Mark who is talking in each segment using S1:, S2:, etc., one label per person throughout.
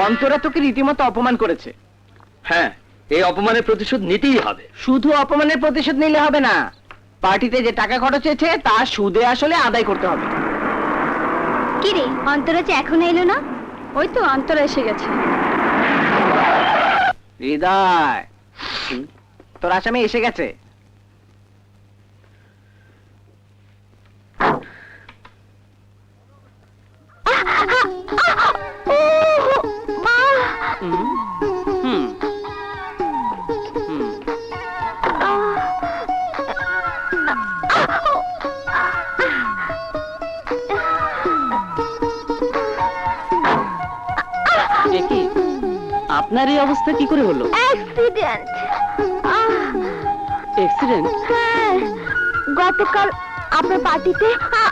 S1: অন্তরা তোকে রীতিমতো অপমান করেছে।
S2: হ্যাঁ, এই অপমানের প্রতিশোধ নিতেই হবে।
S1: শুধু অপমানের প্রতিশোধ নিলে হবে না, পার্টিতে যে টাকা খরচ হয়েছে তা সুদে আসলে আদায় করতে হবে।
S3: কি রে, অন্তরা যে এখনো এলো না? ওই তো অন্তরা এসে গেছে।
S1: হৃদয়, তোর আসামি এসে গেছে। আপনার এই অবস্থা কি করে হলো?
S3: অ্যাক্সিডেন্ট।
S1: অ্যাক্সিডেন্ট?
S3: হ্যাঁ, গতকাল আপনার পার্টিতে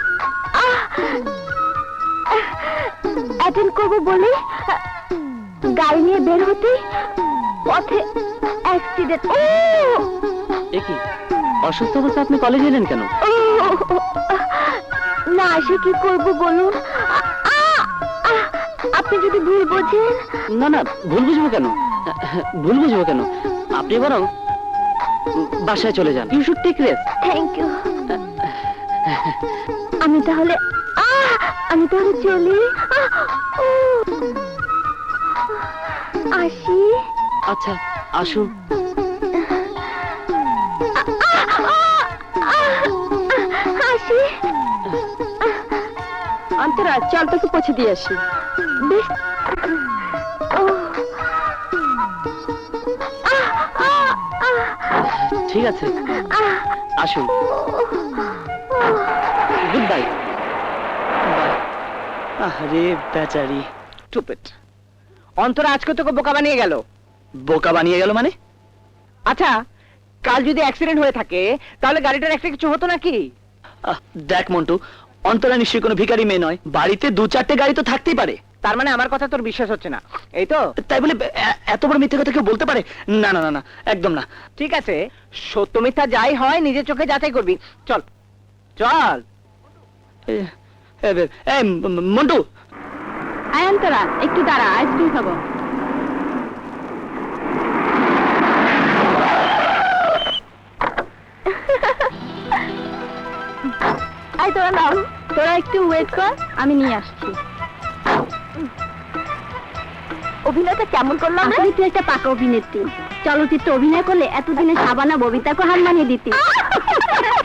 S3: অ্যাটেন্ড করবো বলে গাড়ি নিয়ে বের হতে পথে অ্যাক্সিডেন্ট।
S1: কি অসুস্থ অবস্থা আপনি কলেজে এলেন কেন?
S3: না এসে কি করবো বলুন? আপনি যদি ভুল বোঝেন।
S1: না না, ভুল বুঝবো কেন? ভুল বুঝবো কেন? আপনি বরং বাসায় চলে যান। You should take rest.
S3: Thank you. আমি তাহলে চলি। আসি।
S1: আচ্ছা, আসুন।
S3: আসি।
S1: অন্তরা, চল তোকে পৌঁছে দিয়ে আসি।
S3: বেশ।
S1: ঠিক আছে, আসুন। Goodbye. আরে বেচারি, স্টুপিড। অন্তরা আজকে তোকে বোকা বানিয়ে গেল। বোকা বানিয়ে গেল মানে? আচ্ছা, কাল যদি অ্যাক্সিডেন্ট হয়ে থাকে তাহলে গাড়িটার একটা কিছু হতো নাকি? দেখ মন্টু, অন্তরা নিশ্চয়ই কোনো ভিখারি মেয়ে নয়। বাড়িতে 2-4টে গাড়ি তো থাকতেই পারে। তার মানে আমার কথা তোর বিশ্বাস হচ্ছে না, এই তো? তাই বলে এত বড় মিথ্যে কথা কেউ বলতে পারে? না না না না, একদম না। ঠিক আছে, সত্য মিথ্যা যাই হয় নিজের চোখে যাচাই করবি। চল চল। মন্টু।
S3: আয় অন্তরা, একটু দাঁড়া, আইসক্রিম খাবো। আয় তোরা নাম, তোরা একটু ওয়েট কর, আমি নিয়ে আসছি। অভিনয়টা কেমন করলাম? তুই একটা পাকা অভিনেত্রী। চলচ্চিত্রে অভিনয় করলে এতদিনে সাবানা ববিতাকে হার মানিয়ে দিতি।